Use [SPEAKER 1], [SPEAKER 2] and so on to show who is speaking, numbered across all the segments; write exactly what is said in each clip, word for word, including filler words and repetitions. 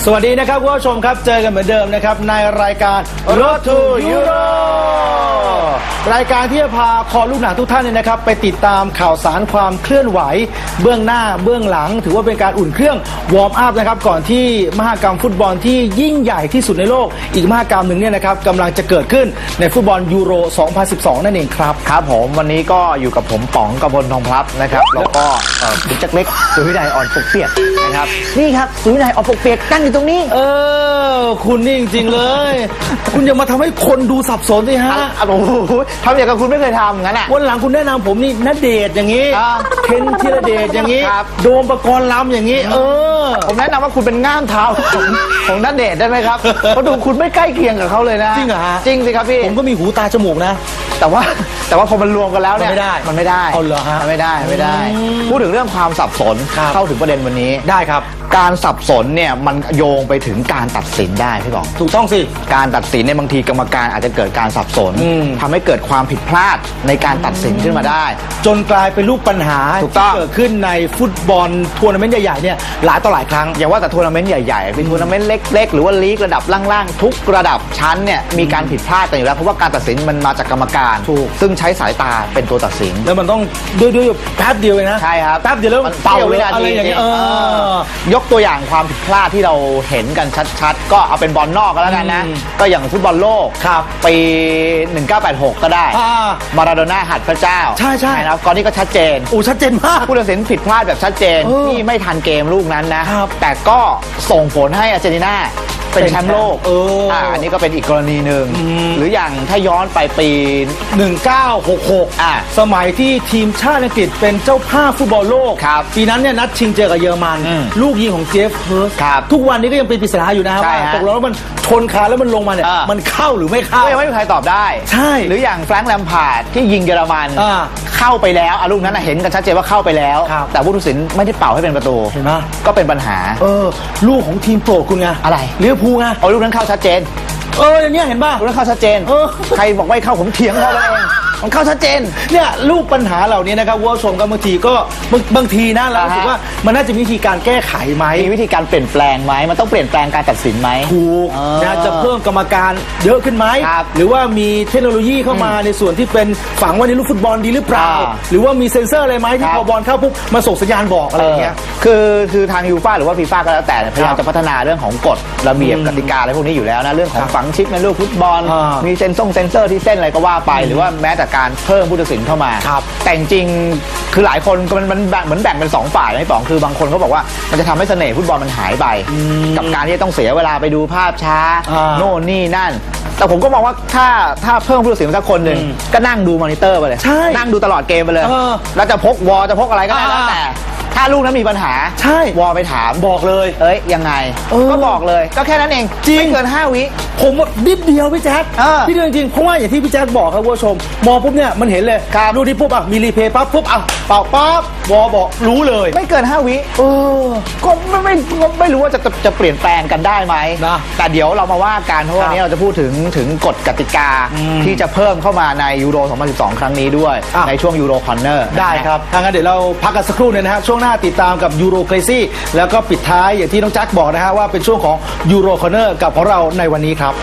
[SPEAKER 1] สวัสดีนะครับคุณผู้ชมครับเจอกันเหมือนเดิมนะครับในรายการ Road to Euro รายการที่จะพาคอลูกหนังทุกท่านเนี่ยนะครับไปติดตามข่าวสารความเคลื่อนไหวเบื้องหน้าเบื้องหลังถือว่าเป็นการอุ่นเครื่องวอร์มอัพนะครับก่อนที่มหกรรมฟุตบอลที่ยิ่งใหญ่ที่สุดในโลกอีกมหกรรมหนึ่งเนี่ยนะครับกำลังจะเกิดขึ้นในฟุตบอลยูโร สองพันสิบสอง นั่นเองครับ
[SPEAKER 2] ครับผมวันนี้ก็อยู่กับผมป๋องกพลทองพลับนะครับแล้วก็คุณจักรเล็กสุวินัยอ่อนปกเปียกนะครับนี่ครับสุวินัยอ่อนปกเปียกตั้งอยู่ตรงนี้
[SPEAKER 1] เออคุณนี่จริงๆเลยคุณอย่ามาทำให้คนดูสับสนสิฮะ
[SPEAKER 2] โอ้โหทำอย่างกับคุณไม่เคยทำงั้นอ่ะ
[SPEAKER 1] วันหลังคุณแนะนำผมนี่ณเดชน์อย่างนี้เคนธีรเดชอย่างนี้โดมปกรณ์ลำอย่างนี้เออ
[SPEAKER 2] ผมแนะนำว่าคุณเป็นง่ามเท้าของของณเดชน์ได้ไหมครับเพราะดูคุณไม่ใกล้เคียงกับเขาเลยนะ
[SPEAKER 1] จริงเหรอฮะ
[SPEAKER 2] จริงสิครับพี่
[SPEAKER 1] ผมก็มีหูตาจมูกนะ
[SPEAKER 2] แต่ว่าแต่ว่าพอมันรวมกันแล้วเนี่ย
[SPEAKER 1] มันไม่ได้
[SPEAKER 2] มันไม่ได้
[SPEAKER 1] เอาเหรอฮะ
[SPEAKER 2] ไม่ได้ไม่ได้พูดถึงเรื่องความสับสนเข้าถึงประเด็นวันนี้
[SPEAKER 1] ได้ครับ
[SPEAKER 2] การสับสนเนี่ยมันโยงไปถึงการตัดสินได้พี่บอก
[SPEAKER 1] ถูกต้องสิ
[SPEAKER 2] การตัดสินในบางทีกรรมการอาจจะเกิดการสับสนทำให้เกิดความผิดพลาดในการตัดสินขึ้นมาได้
[SPEAKER 1] จนกลายเป็นลูกปัญหาที่เกิดขึ้นในฟุตบอลทัวร์นาเมนต์ใหญ่ๆเนี่ยหลายต่อหลายครั้ง
[SPEAKER 2] อย่าว่าแต่ทัวร์นาเมนต์ใหญ่ๆเป็นทัวร์นาเมนต์เล็กๆหรือว่าลีกระดับล่างๆทุกระดับชั้นเนี่ยมีการผิดพลาดกันอยู่แล้วเพราะว่าการตัดสินมันมาจากกรรมการซึ่งใช้สายตาเป็นตัวตัดสิน
[SPEAKER 1] แล้วมันต้องด้วยด้วยแป๊บเดียวเลยนะ
[SPEAKER 2] ใช่ครับ
[SPEAKER 1] แป๊บเดียวแล้ว
[SPEAKER 2] มันเป่าเลยอะไรอย่างเงี้ยยกตัวอย่างความผิดพลาดที่เราเห็นกันชัดๆก็เอาเป็นบอลนอกก็แล้วกันนะก็อย่างฟุตบอลโลกปีหนึ่งเก้าแปดหกก็ได้มาราโดน่าหัดพระเจ้า
[SPEAKER 1] ใช่ใช่
[SPEAKER 2] นะก่อนนี้ก็ชัดเจน
[SPEAKER 1] โอ้ชัดเจนมาก
[SPEAKER 2] ผู้ตัดสินผิดพลาดแบบชัดเจนที่ไม่ทันเกมลูกนั้นนะแต่ก็ส่งผลให้อาร์เจนตินาเป็นแชมป์โลก
[SPEAKER 1] เอออ่า
[SPEAKER 2] อันนี้ก็เป็นอีกกรณีหนึ่งหรืออย่างถ้าย้อนไปปี
[SPEAKER 1] หนึ่งเก้าหกหกอ่าสมัยที่ทีมชาติอังกฤษเป็นเจ้าภาพฟุตบอลโลกปีนั้นเนี่ยนัดชิงเจอกับเยอรมันลูกยิงของเจฟเฮิร์สทุกวันนี้ก็ยังเป็นปริศนาอยู่นะครับว่าตกลงแล้วมันชนคานแล้วมันลงมาเนี่ยมันเข้าหรือไม่เข้า
[SPEAKER 2] ก็ยังไม่มีใครตอบได้
[SPEAKER 1] ใช่
[SPEAKER 2] หรืออย่างแฟรงค์แลมพาร์ดที่ยิงเยอรมันเข้าไปแล้วลูกนั้นเห็นกันชัดเจนว่าเข้าไปแล้วแต่ผู้ตัดสินไม่ได้เป่าให้เป็นประตู
[SPEAKER 1] เห็นไหม
[SPEAKER 2] ก็เป็นปัญหา
[SPEAKER 1] เออลูกของทีมโปรดคุณไง
[SPEAKER 2] อะไร
[SPEAKER 1] ลิเวอร์พูลไง
[SPEAKER 2] เอาลูกนั้นเข้าชัดเจน
[SPEAKER 1] เอออย่างนี้เห็นป่ะ
[SPEAKER 2] ลูกนั้นเข้าชัดเจนใครบอกไม่เข้าผมเถียงเขาเองมันเข้าชัดเจน
[SPEAKER 1] เนี่ยลูกปัญหาเหล่านี้นะครับว่าชมกันบางทีก็บางทีนะเราคิดว่ามันน่าจะมีวิธีการแก้ไขไหม
[SPEAKER 2] มีวิธีการเปลี่ยนแปลงไหมมันต้องเปลี่ยนแปลงการตัดสินไหม
[SPEAKER 1] ถูกนะจะเพิ่มกรรมการเยอะขึ้นไหมหรือว่ามีเทคโนโลยีเข้ามาในส่วนที่เป็นฝังไว้ในลูกฟุตบอลดีหรือเปล่าหรือว่ามีเซ็นเซอร์อะไรไหมที่พอบอลเข้าปุ๊บมาส่งสัญญาณบอกอะไรอย่างเงี้ย
[SPEAKER 2] คือคือทางยูฟ่าหรือว่าฟีฟ่าก็แล้วแต่พยายามจะพัฒนาเรื่องของกฎระเบียบกติกาอะไรพวกนี้อยู่แล้วนะเรื่องของฝังชิปในลูกฟุตบอลมีเซ็นซ่งเซ็นเซอร์ที่เส้นอะไรก็ว่าไปหรือว่าแม้แต่การเพิ่มผู้ตัดสินเข้ามาแต่จริงคือหลายคนมันมันเหมือนแบ่งเป็นสองฝ่ายนะพี่ป๋องคือบางคนเขาบอกว่ามันจะทำให้เสน่ห์ฟุตบอลมันหายไปกับการที่ต้องเสียเวลาไปดูภาพช้าโน่นนี่นั่นแต่ผมก็มองว่าถ้าถ้าเพิ่มผู้ตัดสินสักคนหนึ่งก็นั่งดูมอนิเตอร์ไปเลยนั่งดูตลอดเกมไปเลยแล้วจะพกวอลจะพกอะไรก็ได้แล้วแต่ถ้าลูกนั้นมีปัญหา
[SPEAKER 1] ใช่
[SPEAKER 2] วอลไปถาม
[SPEAKER 1] บอกเลย
[SPEAKER 2] เอ้ยยังไงก็บอกเลยก็แค่นั้นเอง
[SPEAKER 1] จริง
[SPEAKER 2] ไม่เกินห้าวิ
[SPEAKER 1] ผมนิดเดียวพี่แจ๊คพี่เรื่องจริงเพราะว่าอย่างที่พี่แจ๊คบอกครับผู้ชมมองปุ๊บเนี่ยมันเห็นเลยดูที่ปุ๊บอ่ะมีรีเพย์ปั๊บปุ๊บอ่ะเป่าปั๊บวอลบอกรู้เลย
[SPEAKER 2] ไม่เกินห้าวิเออก็ไม่ไม่ไม่รู้ว่าจะจะเปลี่ยนแปลงกันได้ไหมนะแต่เดี๋ยวเรามาว่ากันเพราะวันนี้เราจะพูดถึงถึงกฎกติกาที่จะเพิ่มเข้ามาในยูโรสองพันสิบสองครั้งนี้ด้วยในช่วงยูโรคอนเนอร์
[SPEAKER 1] ได้ครับทางนั้นเดี๋ยวเราพักกันสักครู่นึงนะฮะช่วงหน้าติดตามกับยูโรเครซี่แล้วก็ปิดท้ายอย่างที่น้องแจ็คบอกนะฮะว่าเป็นช่วงของยูโรคอนเนอร์กับของเราในวันนี้ครับ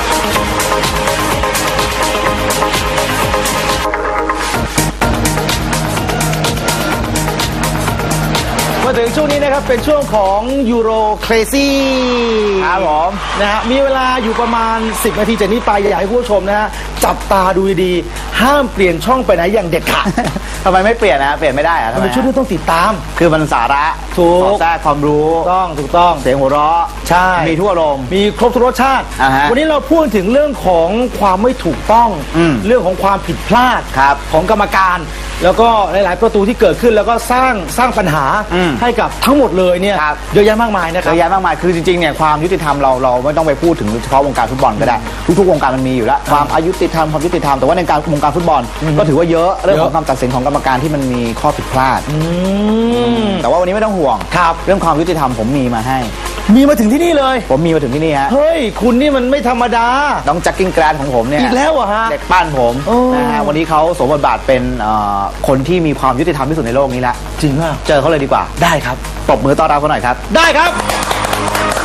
[SPEAKER 1] มาถึงช่วงนี้นะครับเป็นช่วงของยูโรเครซี่
[SPEAKER 2] ครับผม
[SPEAKER 1] นะฮะมีเวลาอยู่ประมาณสิบนาทีจากนี้ไปอยากให้ผู้ชมนะฮะจับตาดูดีๆห้ามเปลี่ยนช่องไปไหนอย่างเด็ดขาด
[SPEAKER 2] ทำไมไม่เปลี่ยนนะเปลี่ยนไม่ได้อะ
[SPEAKER 1] ทำไมช่วงนี้ต้องติดตาม
[SPEAKER 2] คือมันสาระ
[SPEAKER 1] ถูก
[SPEAKER 2] แทรกความรู้
[SPEAKER 1] ต้องถูกต้อง
[SPEAKER 2] เสียงหัวเราะ
[SPEAKER 1] ใช่
[SPEAKER 2] มีทุกอารมณ์
[SPEAKER 1] มีครบทุกรสชาติวันนี้เราพูดถึงเรื่องของความไม่ถูกต้องเรื่องของความผิดพลาดของกรรมการแล้วก็หลายๆประตูที่เกิดขึ้นแล้วก็สร้างสร้างปัญหาให้กับทั้งหมดเลยเนี่ยเยอะแยะมากมายนะครับ
[SPEAKER 2] เยอะแยะมากมายคือจริงๆเนี่ยความยุติธรรมเราเราไม่ต้องไปพูดถึงเฉพาะวงการฟุตบอลก็ได้ทุกๆวงการมันมีอยู่แล้วความอายุติธรรมความยุติธรรมแต่ว่าในการวงการฟุตบอลก็ถือว่าเยอะเรื่องของการตัดสินของกรรมการที่มันมีข้อผิดพลาดแต่ว่าวันนี้ไม่ต้องห่วงเรื่องความยุติธรรมผมมีมาให้
[SPEAKER 1] มีมาถึงที่นี่เลย
[SPEAKER 2] ผมมีมาถึงที่นี่ฮะ
[SPEAKER 1] เฮ้ยคุณนี่มันไม่ธรรมดา
[SPEAKER 2] น้องแจ็คกิ้งแกรนของผมเนี่ย
[SPEAKER 1] อีกแล้วอะฮะ
[SPEAKER 2] เด็กปั้นผมนะฮะวันนี้เขาสวมบทบาทเป็นคนที่มีความยุติธรรมที่สุดในโลกนี้ละ
[SPEAKER 1] จริงอ่ะ
[SPEAKER 2] เจอเขาเลยดีกว่า
[SPEAKER 1] ได้ครับ
[SPEAKER 2] ปรบมือต้อนรับเขาหน่อยครับ
[SPEAKER 1] ได้ครับ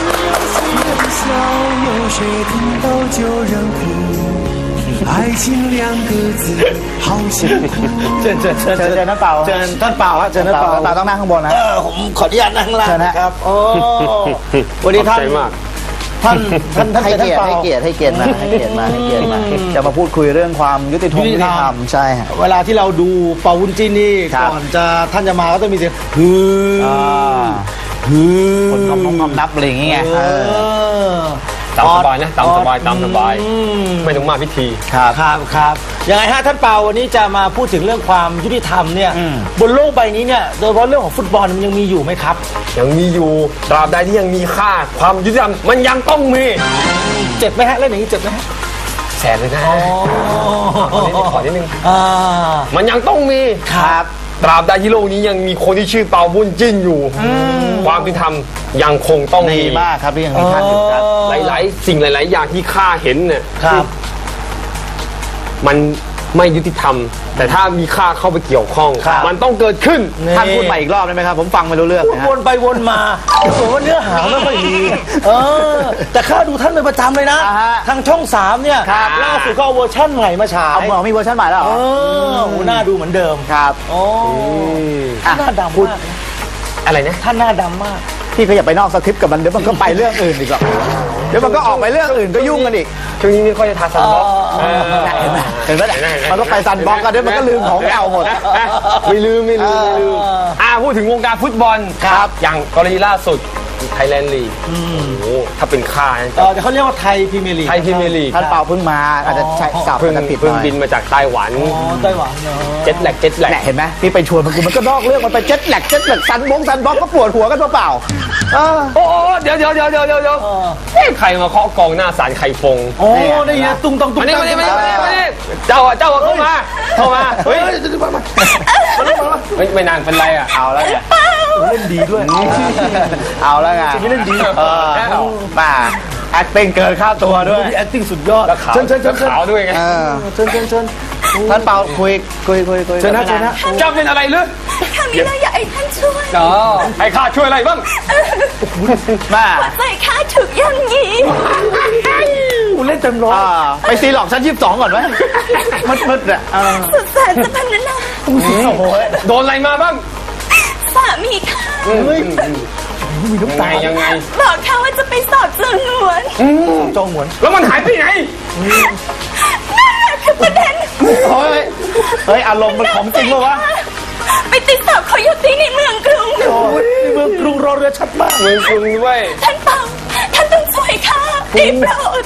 [SPEAKER 3] 有谁听到就让哭，爱情两个字好辛苦。
[SPEAKER 1] เชิญเชิญเชิญ
[SPEAKER 2] เชิญเชิญท่านเปา
[SPEAKER 1] เชิญท่านเปาฮะเชิญท่านเปา
[SPEAKER 2] ท่านเปาต้องนั่งข้างบนนะ
[SPEAKER 1] เออผมขออนุญาตนั่งข้างล่าง
[SPEAKER 2] เชิญฮะ
[SPEAKER 1] นะครับโอ้วันนี้ท่าน
[SPEAKER 4] ขอบใจมาก
[SPEAKER 1] ท่านท่านท่าน
[SPEAKER 2] ให้
[SPEAKER 1] ท่าน
[SPEAKER 2] เกียรติ
[SPEAKER 1] เปา
[SPEAKER 2] ให้เกียรติให้เกียรติมาให้เกียรติมาให้เกียรติมาจะมาพูดคุยเรื่องความยุติธรรม
[SPEAKER 1] ยุ
[SPEAKER 2] ยุ
[SPEAKER 1] ติ
[SPEAKER 2] ติ
[SPEAKER 1] ธ
[SPEAKER 2] ธ
[SPEAKER 1] ร
[SPEAKER 2] ร
[SPEAKER 1] ร
[SPEAKER 2] ร
[SPEAKER 1] ม
[SPEAKER 2] มใช่ฮะ
[SPEAKER 1] เวลาที่เราดูเปาวุ้นจิ้นนี่
[SPEAKER 2] ครับ
[SPEAKER 1] ก่อนจะท่านจะมาก็ต้องมีเสียงฮือ
[SPEAKER 2] อ่า
[SPEAKER 1] ฮือ
[SPEAKER 2] คนคำคำนับอะไรอย่างเงี้ย
[SPEAKER 1] เอ
[SPEAKER 2] เออ
[SPEAKER 1] อ
[SPEAKER 4] ตามสบายนะตามสบายตามสบาย
[SPEAKER 1] อืม
[SPEAKER 4] ไม่ต้องมากพิธี
[SPEAKER 2] ครับ
[SPEAKER 1] ครับครับยังไงฮะท่านเปาวันนี้จะมาพูดถึงเรื่องความยุติธรรมเนี่ย
[SPEAKER 2] อืม
[SPEAKER 1] บนโลกใบนี้เนี่ยโดยเฉพาะเรื่องของฟุตบอลมันยังมีอยู่ไหมครับ
[SPEAKER 4] ยังมีอยู่ตราบใดที่ยังมีค่าความยุติธรรมมันยังต้องมี
[SPEAKER 1] เจ็บไหมฮะเล่นอย่างนี้เจ็บไหมฮะ
[SPEAKER 4] แสนเลยนะขอนิดนึงขอนิดนึง
[SPEAKER 1] อ่า
[SPEAKER 4] มันยังต้องมี
[SPEAKER 1] ครับ
[SPEAKER 4] ตราบใดที่โลกนี้ยังมีคนที่ชื่อเปาบุญจิ้นอยู่ ความยุติธรรมยังคงต้อง
[SPEAKER 2] ดี
[SPEAKER 4] มี
[SPEAKER 2] มากครับที่ยังมีท่านอยู่ครับ
[SPEAKER 4] หลายๆ สิ่งหลาย ๆ อย่างที่ข้าเห็นเนี่ย
[SPEAKER 1] ครับ
[SPEAKER 4] มันไม่ยุติธรรม แต่ถ้ามีข้าเข้าไปเกี่ยวข้อง
[SPEAKER 1] ครับ
[SPEAKER 4] มันต้องเกิดขึ้น
[SPEAKER 2] ท่านพูดใหม่อีกรอบได้ไหมครับ ผมฟังไม่รู้เรื่อง
[SPEAKER 1] พูด
[SPEAKER 2] นะฮะ
[SPEAKER 1] วนไปวนมาผมว่าเนื้อหาไม่ค่อยดีเออแต่ข้าดูท่านเป็นประจำเลยนะ
[SPEAKER 2] อ่าฮะ
[SPEAKER 1] ทางช่องสามเนี่ย
[SPEAKER 4] ครับ
[SPEAKER 1] ล่าสุดก็เอาเวอร์ชั่นใหม่มาฉาย
[SPEAKER 2] เอาเหมือนมีเวอร์ชันใหม่แล้วเหร
[SPEAKER 1] เอ
[SPEAKER 2] อ
[SPEAKER 1] อโหหน้าดูเหมือนเดิม
[SPEAKER 2] ครับ
[SPEAKER 1] โอ้
[SPEAKER 2] อ่ะ
[SPEAKER 1] หน้าดำ
[SPEAKER 2] พูด
[SPEAKER 1] มากนะ
[SPEAKER 4] อะไรนะ
[SPEAKER 1] ท่านหน้าดำมาก
[SPEAKER 2] พี่ก็อย่าไปนอกสคริปต์กับมันเดี๋ยวมันก็ไปเรื่องอื่นอีกหรอกเดี๋ยวมันก็ออกไปเรื่องอื่นก็ยุ่งกันอีก
[SPEAKER 4] ช่วงนี้ไม่ค่อยจะทาซันบล็อก
[SPEAKER 1] อ๋อ
[SPEAKER 4] เออ
[SPEAKER 2] เห็นไหมเห็นไหม
[SPEAKER 4] เห็นไหมเห็นไหม
[SPEAKER 2] มันก็ไปซันบล็อกกันเดี๋ยวมันก็ลืมของเก่าหมด
[SPEAKER 4] ไม่ลืมไม่ลืมไม่ลืมอ่าพูดถึงวงการฟุตบอล
[SPEAKER 1] ครับ
[SPEAKER 4] อย่างกรณีล่าสุดไทยแลนด์ลีกโอ้โหถ้าเป็นข้านะ
[SPEAKER 1] เออเดี๋ยวเขาเรียกว่าไทยพรีเมียร์ลีก
[SPEAKER 4] ไทยพรีเมียร์ลีก
[SPEAKER 2] ท่านเปาเพิ่งมาอาจจะใช้สับ
[SPEAKER 4] เพิ่ง
[SPEAKER 2] กันผิดห
[SPEAKER 4] เพิ่ง
[SPEAKER 2] น่อย
[SPEAKER 4] บินมาจากไต้หวัน
[SPEAKER 1] อ๋อไต้หวันเนอะ
[SPEAKER 4] เจ็ตแลกเจ็ตแลก
[SPEAKER 2] แหละเห็นไหมพี่ไปชวนมันคือมันก็นอกเรื่องมันไปเจ็ตแหลกเจ็ตแหลกซันบงซันบล็อกก็ปวดหัวกันเปล่าๆเออ
[SPEAKER 4] โอ้โหเดี๋ยวเดี๋ยวเดี๋ยวเดี๋ยวเดี๋ยวเดี๋ยว
[SPEAKER 1] เออ
[SPEAKER 4] เอ๊ะใครมาเคาะกองหน้าสารไข่ฟง
[SPEAKER 1] โอ้ได้ยินตุ้งต้องตุ้ง
[SPEAKER 4] มานี่
[SPEAKER 1] ตั้
[SPEAKER 4] มาง นี่มานี่มานี่มานี่เจ้าอ่ะเจ้าอ่ะเข้ามาเข้ามาเฮ้ยเฮ้ยไม่นานเป็นไรอ่ะ
[SPEAKER 2] เอาแล้วไง
[SPEAKER 1] เล่นดีด้วย
[SPEAKER 2] เอาแล้วไง
[SPEAKER 1] ไม่เล่นดี
[SPEAKER 2] เออมา acting เกินค่าตัวด้วย
[SPEAKER 1] มี acting สุดยอด
[SPEAKER 4] แล้วขาว
[SPEAKER 1] เชิญเชิญเชิญ
[SPEAKER 4] แล้วขาวด้วยไง
[SPEAKER 2] เออ
[SPEAKER 1] เชิญเชิญเชิญ
[SPEAKER 2] ท่านเปาคุยคุยคุยคุย
[SPEAKER 1] เชิญนะเชิญนะ
[SPEAKER 4] เจ้าเป็นอะไรหรือ
[SPEAKER 5] ข้ามีเรื่องอยากให้ท่านช่วย
[SPEAKER 4] อ๋อให้ข้าช่วยอะไรบ้าง
[SPEAKER 2] มา
[SPEAKER 5] ใจข้าถูกย่ำยี
[SPEAKER 1] กูเล่นเต็มร้อย
[SPEAKER 2] อ่าไปซีหลอกชั้นยี่สิบสองก่อนไหมมืดมืดๆอ่ะเออ
[SPEAKER 5] สุดแสนจะพันนา
[SPEAKER 1] โอ้โห
[SPEAKER 4] โดนอะไรมาบ้าง
[SPEAKER 5] สามีข้า
[SPEAKER 1] เฮ้ยมีน้ำ
[SPEAKER 4] ไง
[SPEAKER 1] ตา
[SPEAKER 4] ยังไง
[SPEAKER 5] บอกข้าว่าจะไปสอบจำนวน
[SPEAKER 1] จองหวน
[SPEAKER 4] แล้วมันหายไปไหน
[SPEAKER 5] นั่นแหละคือประเด็น
[SPEAKER 2] เฮ้ยเฮ้ยอารมณ์มันของจริงปะวะ
[SPEAKER 5] ไปติดสอบเขาอยู่ที่ในเมืองกรุง
[SPEAKER 1] โอ้ยนี่เมืองกรุงรอเรือชัดมาก
[SPEAKER 4] เมืองกรุงด้วย
[SPEAKER 5] ท่านเปาท่านต้องช่วยข้าได้โปรด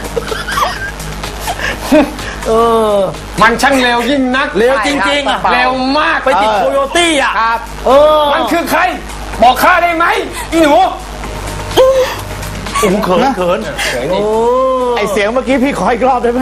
[SPEAKER 1] เออ
[SPEAKER 4] มันช่างเร็วยิ่งนัก
[SPEAKER 1] เร็วจริงๆอ่ะ
[SPEAKER 4] เร็วมาก
[SPEAKER 1] ไปติดโคโยตี้อ่ะ
[SPEAKER 2] ครับ
[SPEAKER 1] เออ
[SPEAKER 4] มันคือใคร บอกข้าได้ไหมอีหนู
[SPEAKER 1] โอ้โหเขินเขิน
[SPEAKER 4] เฉย
[SPEAKER 1] โอ้
[SPEAKER 4] นี่
[SPEAKER 2] ไอเสียงเมื่อกี้พี่ขออีกรอบได้ไหม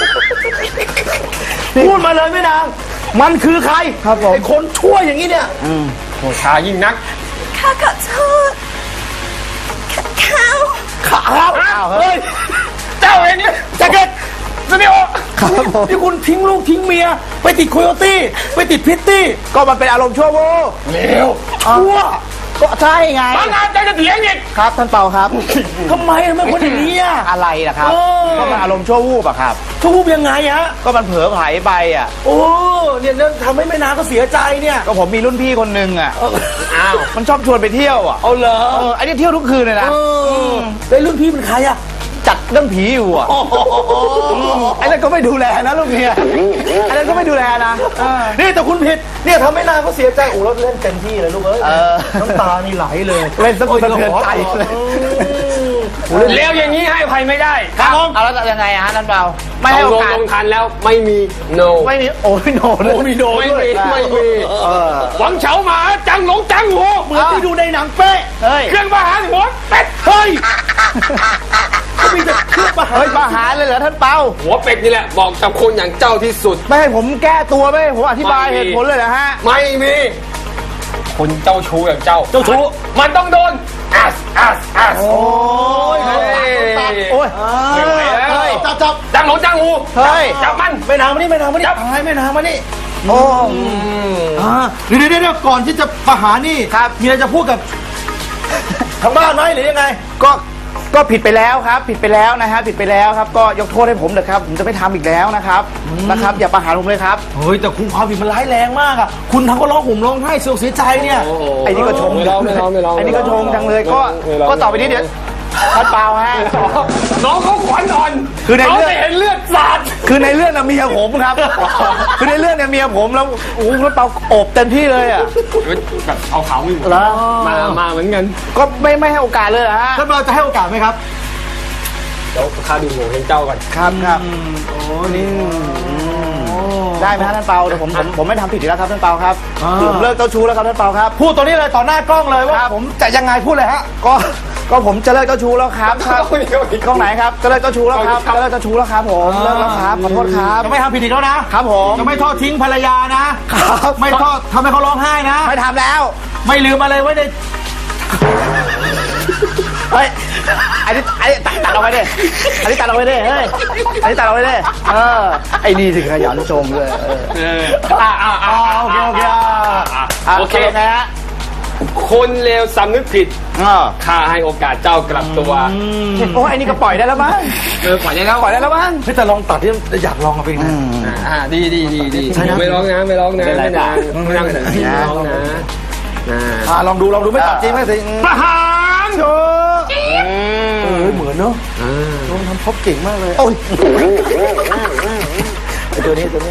[SPEAKER 1] พูดมาเลยไม่นางมันคือใคร
[SPEAKER 2] ครับผม
[SPEAKER 1] ไอคนชั่วอย่างนี้เนี่ย
[SPEAKER 4] โหชายิ่งนัก
[SPEAKER 5] ข้าขอโทษข้า
[SPEAKER 1] ขาครับ
[SPEAKER 2] อ้าวเฮ้
[SPEAKER 1] เฮ้
[SPEAKER 2] ย
[SPEAKER 1] ย
[SPEAKER 4] เจ้าเองเนี่ย
[SPEAKER 1] แจ็คเก็ต
[SPEAKER 4] สตูดิโอ
[SPEAKER 2] ครับผม
[SPEAKER 1] ที่คุณทิ้งลูกทิ้งเมีย ไปติดโคโยตี้ไปติดพิตตี้
[SPEAKER 2] ก็มันเป็นอารมณ์ชั่ววูบ
[SPEAKER 4] เร็ว
[SPEAKER 1] ชั่ว
[SPEAKER 2] ก็ใช่ไง
[SPEAKER 4] บางงานใจจะเถียงอีก
[SPEAKER 2] ครับท่านเปาครับ
[SPEAKER 1] ทำไมทำไมคนอย่างนี้อ่ะ
[SPEAKER 2] อะไรล่ะครับ
[SPEAKER 1] เออ
[SPEAKER 2] ก็มันอารมณ์ชั่ววูบอะครับ
[SPEAKER 1] ชั่ววูบยังไงฮะ
[SPEAKER 2] ก็มันเผลอไผลไปอะ
[SPEAKER 1] โอ้เนี่ยเนี่ยทำให้แม่นางก็เสียใจเนี่ย
[SPEAKER 2] ก็ผมมีรุ่นพี่คนหนึ่งอะ
[SPEAKER 1] เออ
[SPEAKER 4] อ้าว
[SPEAKER 2] มันชอบชวนไปเที่ยวอะ
[SPEAKER 1] เอาเหรอ
[SPEAKER 2] เออไอ้นี่เที่ยวทุกคืนเลยนะ
[SPEAKER 1] เออได้รุ่นพี่เป็นใครอ่ะ
[SPEAKER 2] จัดเรื่องผีอยู่อะไอ้นั่นก็ไม่ดูแลนะลูกเมียไอ้นั่นก็ไม่ดูแลนะเออ
[SPEAKER 1] นี่แต่คุณผิดเนี่ยทำให้นางก็เสียใจโอ้แล้วเล่นเต็มที่เลยลูกเอ้ย
[SPEAKER 2] เออ
[SPEAKER 1] น้ำตานี่ไหลเลย
[SPEAKER 2] เล่นสะกุลสะเทือนใจเลย
[SPEAKER 4] เร็วอย่างนี้ให้อภัยไม่ได้
[SPEAKER 2] ครับเอาแล้วยังไงอะฮะท่านเปาไม่ให้โอ
[SPEAKER 4] ลง
[SPEAKER 2] กาส
[SPEAKER 4] ลงทันแล้วไม่มี no
[SPEAKER 2] ไม่มีโอ้ยโนเลย
[SPEAKER 1] โอ้มีโดน
[SPEAKER 4] ไม่
[SPEAKER 1] ด้วย
[SPEAKER 4] มีไม่มี
[SPEAKER 2] เออ
[SPEAKER 4] หวังเฉาหมาจังหลงจังหู
[SPEAKER 1] เหมือนที่ดูในหนังเป๊ะ
[SPEAKER 2] เฮ้ย
[SPEAKER 4] เครื่องประหารหัวเป็ด
[SPEAKER 1] เฮ้ยก็มีแต่เครื่องประหาร
[SPEAKER 2] เฮ้ยประหารเลยเหรอท่านเปา
[SPEAKER 4] หัวเป็ดนี่แหละบอกกับคนอย่างเจ้าที่สุด
[SPEAKER 2] ไม่ให้ผมแก้ตัวไม่ให้ผมอธิบาย
[SPEAKER 4] ไม่มี
[SPEAKER 2] เหตุผลเลยนะฮะ
[SPEAKER 4] ไม่มีคนเจ้าชู้อย่างเจ้า
[SPEAKER 1] เจ้าชู้
[SPEAKER 4] มันต้องโดนอัสอัสอัส
[SPEAKER 1] โอ้ย
[SPEAKER 4] เฮ้ย
[SPEAKER 2] โอ้ย
[SPEAKER 4] ไม่ไหวแล้ว
[SPEAKER 1] เฮ้ยจับจับ
[SPEAKER 4] จังหลงจังหู
[SPEAKER 2] เฮ้ย
[SPEAKER 4] จับมัน
[SPEAKER 1] แม่นางมานี่แม่นางมานี่ให้แม่นางมานี่
[SPEAKER 2] โอ้
[SPEAKER 1] อ่าเดี๋ยวเดี๋ยวเดี๋ยวก่อนที่จะประหารนี่
[SPEAKER 2] ครับ
[SPEAKER 1] มีอะไรจะพูดกับทางบ้านไหมหรือยังไง
[SPEAKER 2] ก็ก็ผิดไปแล้วครับผิดไปแล้วนะฮะผิดไปแล้วครับก็ยกโทษให้ผมเถอะครับผมจะไม่ทำอีกแล้วนะครับนะครับอย่าประหารผมเลยครับ
[SPEAKER 1] เฮ้ยแต่คุณความผิดมันร้ายแรงมากอ่ะคุณทั้งก็ร้องห่มร้องไห้เสียอกเสียใจเนี่ย
[SPEAKER 2] ไอ้นี่ก็ชง
[SPEAKER 4] ไม่ร้องไม่ร้องไม่ร้อง
[SPEAKER 2] ไอ้นี่ก็ชงจังเลยก็
[SPEAKER 4] ไม่ร้อง
[SPEAKER 2] ก็ต่อไปนี้เดี๋ยวท่านเปล่าฮะ
[SPEAKER 4] น้องเขาขวัญอ่อน
[SPEAKER 2] คือในเรื่อง
[SPEAKER 4] ขาจะเห็นเลือดสาด
[SPEAKER 2] คือในเรื่องน่ะเมียผมครับ คือในเรื่องเนี่ยเมียผมแล้วโอ้โหท่านเปาโอบเต็มที่เลยอ่ะ
[SPEAKER 4] แบบเอาเขาอยู่
[SPEAKER 2] แล้ว
[SPEAKER 4] มามาเหมือนกัน
[SPEAKER 2] ก็ไม่ไม่ให้โอกาสเลยเหรอฮะ
[SPEAKER 1] ท่านเราจะให้โอกาสไหมครับ
[SPEAKER 4] เดี๋ยวข้าดูโง่เฮงเจ้าก่อน
[SPEAKER 2] ครับครับ
[SPEAKER 1] โอ้นี่
[SPEAKER 2] ได้ไหมฮะท่านเปาเดี๋ยวผมผมผมไม่ทำผิดอีกแล้วครับท่านเปาครับ
[SPEAKER 1] อ่า
[SPEAKER 2] ผมเลิกเจ้าชู้แล้วครับท่านเปาครับ
[SPEAKER 1] พูดตัวนี้เลยต่อหน้ากล้องเลยว่า
[SPEAKER 2] ครับ
[SPEAKER 1] ผมจะยังไงพูดเลยฮะ
[SPEAKER 2] ก็ก็ผมจะเลิกเจ้าชู้แล้วครับครับ
[SPEAKER 4] เอาอีกเอาอีก
[SPEAKER 2] กล้องไหนครับจะเลิกเจ้าชู้แล้วครับ
[SPEAKER 4] เอาอีกครับ
[SPEAKER 2] จะเลิกเจ้าชู้แล้วครับผม
[SPEAKER 1] อ่า
[SPEAKER 2] เลิกแล้วครับขอโทษครับ
[SPEAKER 1] จะไม่ทำผิดอีกแล้วนะครับ
[SPEAKER 2] ผม
[SPEAKER 1] จะไม่ทอดทิ้งภรรยานะครับ ไม่ทอดทำให้เขาร้องไห้นะ
[SPEAKER 2] ไม่ทำแล้ว
[SPEAKER 1] ไม่ลืมอะไรไว้ใน
[SPEAKER 2] เฮ้ยอันนี้อันนี้ตัดตัดเอาไว้ดิอันนี้ตัดเอาไว้ดิเฮ้ยอันนี้ตัดเอาไว้ดิเออไอ้นี่ถึงขยันชมเลยเออ
[SPEAKER 4] เอออ่าอ่าอ่า
[SPEAKER 1] โอเคโอเค
[SPEAKER 2] อ่ะ
[SPEAKER 4] โอเค
[SPEAKER 2] ตกลงไงฮะ
[SPEAKER 4] คนเลวสำนึกผิด
[SPEAKER 2] อ่า
[SPEAKER 4] ข้าให้โอกาสเจ้ากลับตัว
[SPEAKER 2] โอ้ไอ้นี่ก็ปล่อยได้แล้วมั้ง
[SPEAKER 4] เออปล่อยได้แล้ว
[SPEAKER 2] ปล่อยได้แล้วมั้ง
[SPEAKER 1] เฮ้ยแต่ลองตัดที่อยากลองเอาไปนะ
[SPEAKER 4] อ่าดีดีดีดี
[SPEAKER 1] ใช่นะ
[SPEAKER 4] ไม่ร้องนะไม่ร้องนะ
[SPEAKER 2] ไม่เป็นไร
[SPEAKER 4] ไม่นานไม่นานไม่ร้องนะอ่า
[SPEAKER 1] อ่าลองดูลองดูไม่ตัดจริงไม่สิ
[SPEAKER 4] ประหาร
[SPEAKER 1] โอ้เออเหมือนเนาะลองทำพบเก่งมากเลย
[SPEAKER 2] โอ้ย
[SPEAKER 1] ไอ้ตัวนี้ตัวนี้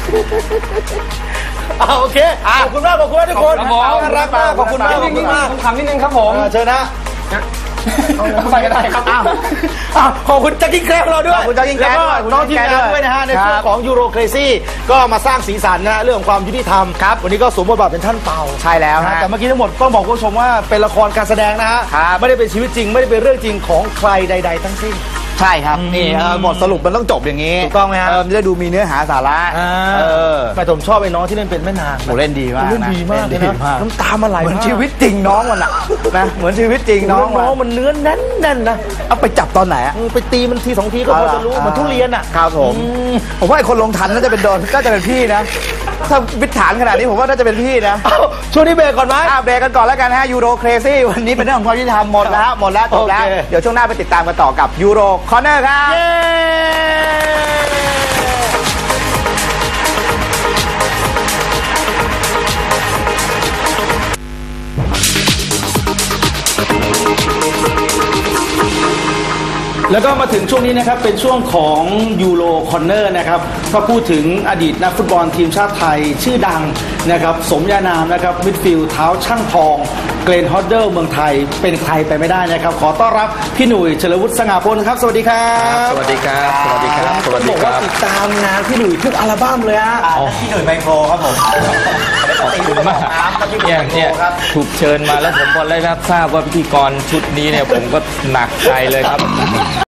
[SPEAKER 1] อ่าโอเคขอบคุณมากขอบคุณมากทุกคน
[SPEAKER 4] ครับผม
[SPEAKER 1] น่ารักมากขอบคุณมากขอบคุณมาก
[SPEAKER 4] คำนิดนึงครับผม
[SPEAKER 1] อ่าเชิญนะ
[SPEAKER 4] ไปก็ได้ครับ
[SPEAKER 1] อ้าวอ้าวขอบคุณแจ็คกิ้งแคร์ของเราด้วย
[SPEAKER 2] ขอบคุณแจ็คกิ้งแคร์
[SPEAKER 1] ล้ว
[SPEAKER 2] ด้วย
[SPEAKER 1] ก็น้องทีมงานด้วยนะฮะในช่วงของยูโรเครซี่ก็มาสร้างสีสันนะฮะเรื่องของความยุติธรรมครับวันนี้ก็สวมบทบาทเป็นท่านเปา
[SPEAKER 2] ใช่แล้ว
[SPEAKER 1] นะ
[SPEAKER 2] ฮะ
[SPEAKER 1] แต่เมื่อกี้ทั้งหมดต้องบอกคุณผู้ชมว่าเป็นละครการแสดงนะฮะ
[SPEAKER 2] ครับ
[SPEAKER 1] ไม่ได้เป็นชีวิตจริง ไม่ได้เป็นเรื่องจริงของใครใด ๆ ทั้งสิ้น
[SPEAKER 2] ใช่ครับนี่เออบทสรุปมันต้องจบอย่างนี้
[SPEAKER 1] ถูกต้องไหมฮะ
[SPEAKER 2] เออมันจะได้ดูมีเนื้อหาสาระเออ
[SPEAKER 1] แต่ผมชอบไอ้น้องที่เล่นเป็นแม่นาง
[SPEAKER 2] โหเล่นดีมากนะ
[SPEAKER 1] เล่นดีมากเลย
[SPEAKER 2] เล่
[SPEAKER 1] นะ
[SPEAKER 2] นดีมาก
[SPEAKER 1] น้ำตามันไหล
[SPEAKER 2] เหมือน
[SPEAKER 1] มาก
[SPEAKER 2] ชีวิตจริงน้องมันอะนะเหมือนชีวิตจริงน้
[SPEAKER 1] น้
[SPEAKER 2] อ
[SPEAKER 1] อง ง
[SPEAKER 2] มัน
[SPEAKER 1] น้องมันเนื้อแน่นๆนะ
[SPEAKER 2] เอาไปจับตอนไหนอะ
[SPEAKER 1] ไปตีมันทีสองทีก็พอจะรู้เหมันทุเรียนอ่ะ
[SPEAKER 2] ครับผมผมว่าไอ้คนลงทันน่าจะเป็นโดนน่าจะเป็นพี่นะถ้าวิถฐานขนาดนี้ผมว่าน่าจะเป็นพี่นะ
[SPEAKER 1] เอ้าช่วงนี้เบรกก่อนไหม
[SPEAKER 2] อ่ะเบรกกันก่อนแล้วกันฮะยูโรเครซี่วันนี้เป็นเรื่องของความยุติธรรมหมดแล้วหมดแล้วจบแล้ว
[SPEAKER 1] โอเค
[SPEAKER 2] เดี๋ยวช่วงหน้าไปติดตามกันต่อกับยูโรคอร์เนอร์ครับ
[SPEAKER 1] เย้ แล้วก็มาถึงช่วงนี้นะครับเป็นช่วงของยูโรคอนเนอร์นะครับก็พูดถึงอดีตนักฟุตบอลทีมชาติไทยชื่อดังนะครับสมญานามนะครับมิดฟิลด์เท้าช่างทองเกรนฮอดเดิลเมืองไทยเป็นใครไปไม่ได้นะครับขอต้อนรับพี่หนุ่ยเฉลิมวุฒิสง่าพลครับสวัสดีครับ
[SPEAKER 4] สวัสดีครับ สวัสดีครับ สวัสดี
[SPEAKER 1] บอก
[SPEAKER 4] ค
[SPEAKER 1] ว่า
[SPEAKER 4] รับ
[SPEAKER 1] ติดตามงานพี่หนุ่ยทุกอัลบั้มเลยฮะ
[SPEAKER 2] พี่หนุ่ยไมโครครับผม
[SPEAKER 6] ขอบคุณมากเนี่ยเนี่ยถูกเชิญมาแล้วผมพอได้รับทราบว่าพิธีกรชุดนี้เนี่ยผมก็หนักใจเลยครับ